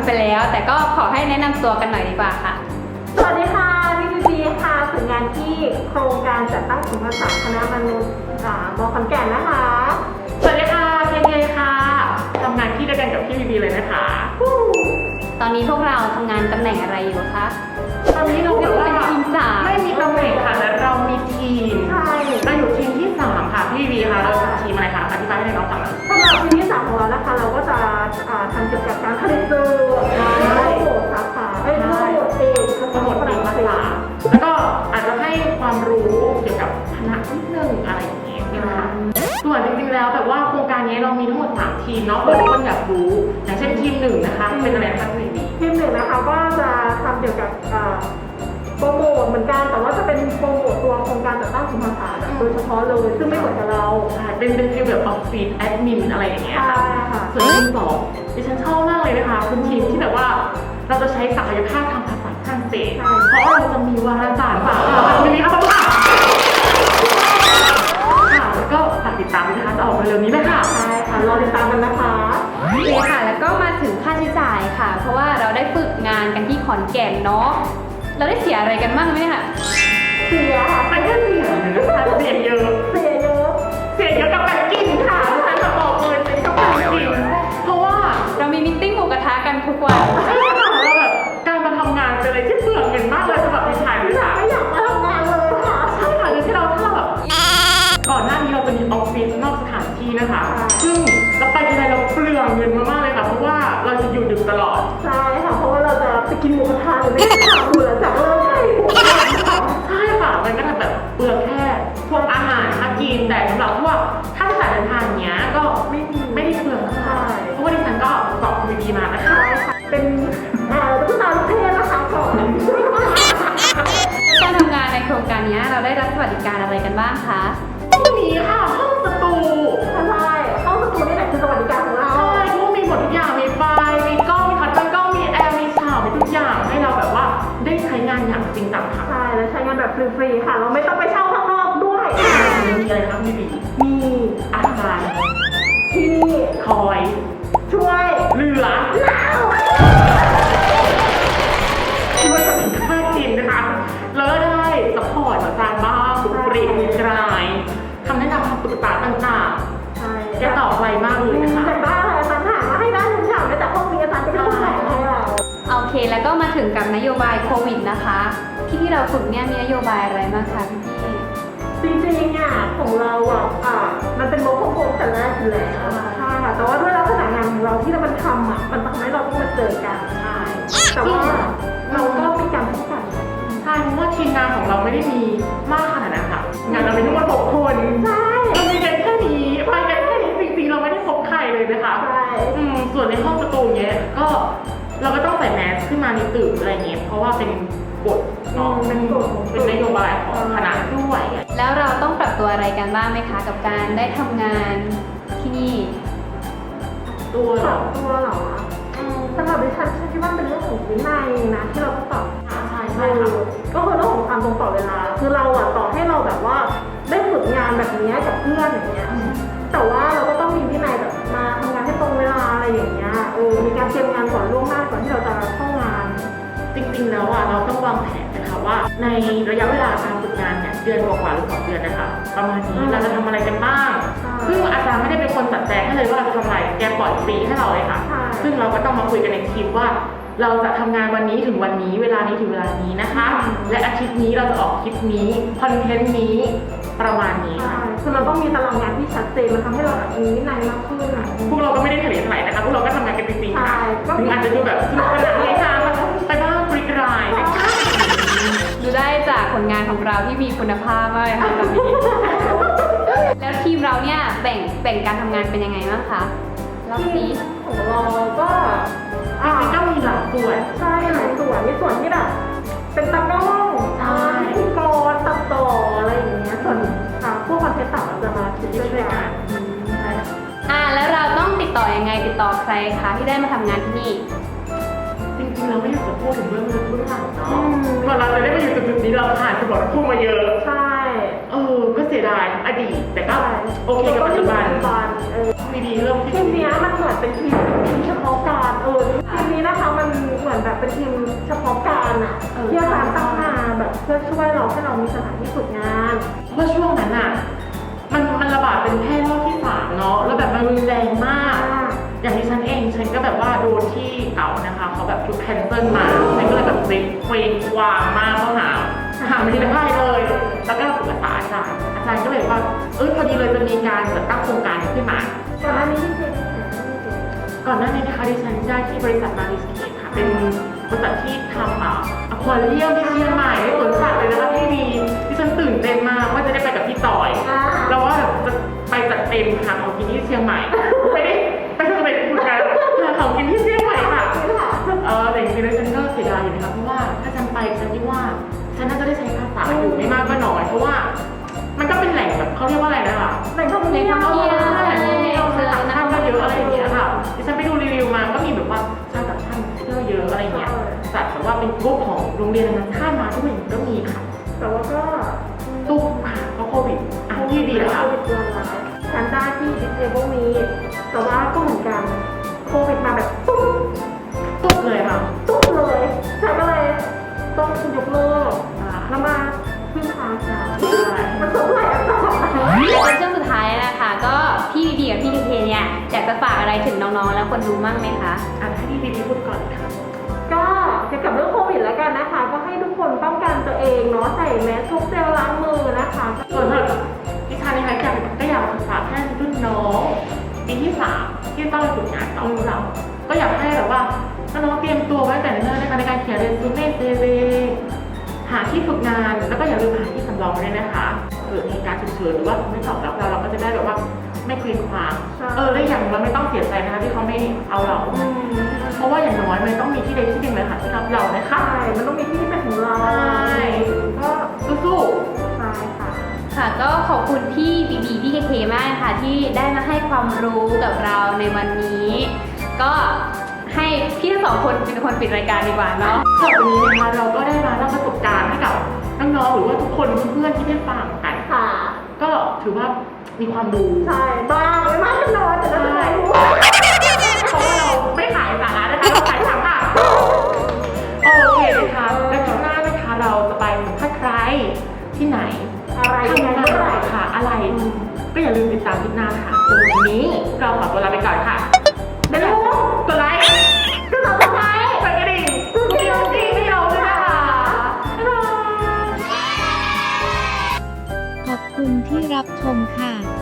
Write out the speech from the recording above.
ไปแล้ว แต่ก็ขอให้แนะนำตัวกันหน่อยดีกว่าค่ะสวัสดีค่ะพี่บีบีค่ะฝึกงานที่โครงการจัดตั้งศูนย์ภาษาคณะมนุษย์ม.ขอนแก่นนะคะสวัสดีค่ะเทนค่ะทำงานที่เดียวกันกับพี่บีบีเลยนะคะตอนนี้พวกเราทำงานตำแหน่งอะไรอยู่คะตอนนี้เราแบบว่าเป็นทีมสามไม่มีตำแหน่งค่ะแต่เรามีทีมใช่เราอยู่ทีมที่3ค่ะพี่บีบีค่ะเราทีมอะไรคะอธิบายให้น้องฟังหน่อยสำหรับทีมที่3ของเรานะคะเราก็จะทำเกี่ยวกับการผลิตสื่อโหมดสาขาโหมดเอกโหมดเอกภาษาแล้วก็อาจจะให้ความรู้เกี่ยวกับคณะนิดนึงอะไรอย่างเงี้ยนะคะส่วนจริงๆแล้วแบบว่าโครงการนี้เรามีทั้งหมด3ทีมเนาะเผื่อทุกคนอยากรู้อย่างเช่นทีม1นะคะเป็นอะไรคะพี่บีบีทีม1นะคะก็จะทำเกี่ยวกับโปรโมทเหมือนกันแต่ว่าจะเป็นโปรโมทตัวโครงการจัดตั้งศูนย์ภาษาโดยเฉพาะเลยซึ่งไม่เหมือนกับเราเป็นฟีลแบบออฟฟิศแอดมินอะไรอย่างเงี้ยค่ะส่วนทีม2ดิฉันชอบมากเลยนะคะเป็นทีมที่แบบว่าเราจะใช้ศักยภาพทางภาษาฝรั่งเศสเพราะเราจะมีวารสารฝากวันนี้ครับค่ะแล้วก็ฝากติดตามนะคะจะออกมาเร็วนี้เลยค่ะใช่ค่ะรอติดตามกันนะคะโอเคค่ะแล้วก็มาถึงค่าใช้จ่ายค่ะเพราะว่าเราได้ฝึกงานกันที่ขอนแก่นเนาะเราได้เสียอะไรกันบ้างไหมคะเสียค่ะมันก็เสียนะคะเสียเยอะกับการกินค่ะฉันจะบอกเลยเป็นกับการกินเพราะว่าเรามีมิทติ้งหมูกระทะกันทุกวันใช่ค่ะเราแบบการมาทำงานเป็นอะไรที่เปลืองเงินมากเลยสำหรับดิฉันไม่อยากมาทำงานเลยค่ะใช่ค่ะที่เราถ้าเราแบบก่อนหน้านี้เราจะมีออฟฟิศนอกสถานที่นะคะซึ่งเราไปทีไรเราเปลืองเงินมากๆเลยค่ะเพราะว่าเราจะอยู่ดึกตลอดใช่ค่ะเพราะว่าเราจะไปกินหมูกระทะหรือไม่ได้ทำหลังจากเลิกงานใช่ค่ะมันก็แบบเปลืองแค่พวกอาหารมากินแต่สำหรับพวกค่าใช้จ่ายเดินทางเนี้ยก็ไม่ได้เปลืองเท่าไหร่เพราะว่าดิฉันก็สอบดีมานะคะเป็นตุ๊กตาลูกเทพนะคะก่อนการทำงานในโครงการนี้เราได้รับสวัสดิการอะไรกันบ้างคะมีค่ะห้องสตูใช่ห้องสตูนี่แหละคือสวัสดิการของเราใช่ทุกมีหมดทุกอย่างมีไฟมีกล้องมีคัตเตอร์กล้องมีแอร์มีฉากมีทุกอย่างให้เราแบบว่าได้ใช้งานอย่างจริงจังค่ะใช่แล้วใช้งานแบบฟรีๆค่ะเราไม่ต้องไปเช่าข้างนอกด้วยมีอะไรครับพี่บีมีอาหารที่คอยช่วยเหลือที่ว่าจะเป็นค่ากินนะคะแล้วได้ซัพพอร์ตต่างๆบ้างบุปรีมีกลายคำแนะนำคำปรึกษาต่างๆใช่แกตอบไวมากเลยนะคะแต่บ้าอะไรอาจารย์ถามมาให้ได้ทุกอย่างแต่ห้องนี้อาจารย์ก็ต้องให้เราโอเคแล้วก็มาถึงกับนโยบายโควิดนะคะที่เราฝึกเนี่ยมีนโยบายอะไรบ้างคะพี่จริงๆอ่ะของเรามันเป็นโมโคโคแต่แรกอยู่แล้วใช่ค่ะแต่ว่าด้วยลักษณะงานของเราที่เรามันทำมันทำให้เราต้องมาเจอกันใช่แต่ว่าเราก็มีการป้องกันใช่เพราะว่าทีมงานของเราไม่ได้มีมากขนาดนั้นค่ะงานเราเป็นทั้งหมด6 คนใช่เรามีกันแค่นี้ไปกันแค่นี้จริงๆเราไม่ได้พบใครเลยนะคะใช่ส่วนในห้องประตูเนี้ยก็เราก็ต้องใส่แมสขึ้นมาในตึกอะไรเงี้ยเพราะว่าเป็นกฎเนาะเป็นนโยบายของคณะด้วยแล้วเราต้องปรับตัวอะไรกันบ้างไหมคะกับการได้ทำงานที่นี่ตัวเหรอสำหรับดิฉันคิดว่าเป็นเรื่องของวินัยนะที่เราต้องปรับใช่ค่ะก็คือเรื่องของความตรงต่อเวลาคือเราต่อให้เราแบบว่าได้ฝึกงานแบบนี้กับเพื่อนอย่างเงี้ยแต่ว่าเราก็ต้องมีวินัยแบบมาทำงานให้ตรงเวลาอะไรอย่างเงี้ยมีการเตรียมงานก่อนล่วงหน้าก่อนที่เราจะเข้างานจริงๆแล้วเราต้องวางแผนนะคะว่าในระยะเวลาการฝึกงานเนี่ยเดือนกว่าหรือ2 เดือนนะคะประมาณนี้เราจะทำอะไรกันบ้างซึ่งอาจารย์ไม่ได้เป็นคนจัดแจงให้เลยว่าเราจะทำอะไรแกปล่อยฟรีให้เราเลยค่ะซึ่งเราก็ต้องมาคุยกันในทีมว่าเราจะทำงานวันนี้ถึงวันนี้เวลานี้ถึงเวลานี้นะคะและอาทิตย์นี้เราจะออกคลิปนี้คอนเทนต์นี้ประมาณนี้ค่ะคือเราต้องมีตารางงานที่ชัดเจนมันทำให้เราแบบมีวินัยมากขึ้นพวกเราก็ไม่ได้เฉลี่ยเท่าไหร่นะคะพวกเราก็ทำงานกันจริงๆค่ะถึงอาจจะดูแบบสนุกสนานในการไปบ้างปริกรายนะคะดูได้จากผลงานของเราที่มีคุณภาพมากเลยค่ะตอนนี้แล้วทีมเราเนี่ยแบ่งการทำงานเป็นยังไงบ้างคะรอบนี้ของเราก็ก็มีหลายส่วนใช่หลายส่วนมีส่วนที่แบบเป็นตากล้องพิธีกรตัดต่ออะไรอย่างเงี้ยส่วนพวกคอนเทนต์ต่างเราจะมาคิดด้วยกันแล้วเราต้องติดต่อยังไงติดต่อใครคะที่ได้มาทำงานที่นี่จริงๆเราไม่อยากจะพูดถึงเรื่องลึกเบื้องหลังเนาะพอเราได้มาอยู่จุดๆนี้เราผ่านสมรภูมิมาเยอะใช่ก็เสียดายอดีตแต่ก็โอเคกับปัจจุบันมีดีเริ่มที่ทีมเนี้ยมันเหมือนเป็นทีมเฉพาะการทีมนี้นะคะมันเหมือนแบบเป็นทีมเฉพาะการอ่ะที่อาจารย์ตั้งมาแบบเพื่อช่วยเราให้เรามีสถานที่ฝึกงานเพราะช่วงนั้นอ่ะมันระบาดเป็นแพร่รอบที่3เนาะแล้วแบบมันรุนแรงมาก อย่างที่ฉันเองฉันก็แบบว่าโดนที่เก่านะคะเขาแบบทุกแคนเซิลมาฉันก็เลยแบบเวงวางมากเข้าหาไม่ได้เลยแล้วก็ปรึกษาอาจารย์ก็เลยว่าพอดีเลยจะมีการจัดตั้งโครงการขึ้นมาก่อนหน้านี้ที่เคยก่อนหน้านี้นะคะดิฉันได้ที่บริษัทมาริสเคทค่ะเป็นบริษัทที่ทำอควาเรียมที่เชียงใหม่ในสวนสัตว์เลยนะคะที่ดีดิฉันตื่นเต้นมากว่าจะได้ไปกับพี่ต่อยแล้วว่าแบบจะไปจัดเต็มหาของกินที่เชียงใหม่ไปทำเป็นฝึกงานหาของกินที่เชียงใหม่ค่ะแต่จริงๆแล้วฉันก็เสียดายอยู่นะคะเพราะว่าถ้าฉันไปฉันคิดว่าฉันน่าจะได้ใช้ภาษาอยู่ไม่มากก็น้อยเพราะว่ามันก็เป็นแหล่งแบบเขาเรียกว่าอะไรนะคะแหล่งท่องเที่ยวแหล่งท่องเที่ยวต่างชาติก็เยอะอะไรอย่างเงี้ยค่ะดิฉันไปดูรีวิวมาก็มีแบบว่าชาวต่างชาติเที่ยวเยอะอะไรเงี้ยจัดแบบว่าเป็นกลุ่มของโรงเรียนนานาชาติมาทุกอย่างก็มีค่ะแต่ว่าก็ตุ้มค่ะเพราะโควิดที่ดีแล้วค่ะโควิดเดือนละฉันได้ที่ Disable นี้แต่ว่าก็เหมือนกันโควิดมาแบบตุ๊บเลยค่ะตุ๊บเลยฉันก็เลยต้องยกเลิกแล้วมาพึ่งพาค่ะมันสมไหลอ่ะในช่วงสุดท้ายนะคะก็พี่บีกับพี่เคเนี่ยอยากจะฝากอะไรถึงน้องๆแล้วคนดูมั่งไหมคะให้พี่บีพูดก่อนค่ะก็เกี่ยวกับเรื่องโควิดแล้วกันนะคะก็ให้ทุกคนป้องกันตัวเองเนาะใส่แมสพกเจลล้างมือนะคะส่วนดิฉันนะคะก็อยากศึกษาแค่รุ่นน้องปีที่3ที่ต้องไปฝึกงานต่อเราก็อยากให้แบบว่าน้องเตรียมตัวไว้แต่เนิ่นๆในการเขียนเรซูเม่CVหาที่ฝึกงานแล้วก็อย่าลืมหาที่สำรองด้วยนะคะเกิดเหตุการณ์ฉุกเฉินหรือว่าไม่ตอบรับเราก็จะได้แบบว่าไม่เคว้งคว้างและอย่างเราไม่ต้องเสียใจนะคะที่เขาไม่เอาเราเพราะว่าอย่างน้อยมันต้องมีที่ใดที่หนึ่งเลยค่ะที่รับเรานะคะใช่มันต้องมีที่เป็นของเราก็สู้ๆใช่ค่ะค่ะก็ขอบคุณพี่บีพี่เคมากค่ะที่ได้มาให้ความรู้กับเราในวันนี้ก็ให้พี่ทั้ง2 คนเป็นคนปิดรายการดีกว่าเนาะวันนี้นะคะเราก็ได้มาเล่าประสบการณ์ให้กับน้องๆหรือว่าทุกคนเพื่อนๆที่ได้ฟังกันค่ะก็ถือว่ามีความรู้ใช่บ้างไม่มากก็น้อยแต่ก็ได้รู้เพราะว่าเราไม่ขายสาระนะคะเราขายถังค่ะโอเคนะคะแล้วครั้งหน้านะคะเราจะไปสัมภาษณ์ใครที่ไหนอะไรทำงานเมื่อไหร่ค่ะอะไรก็อย่าลืมติดตามคลิปหน้าค่ะวันนี้เราขอตัวลาไปก่อนค่ะเดี๋ยวกดไลค์กดซับสไครบ์กดกระดิ่งให้เราด้วยนะคะขอบคุณที่รับชมค่ะ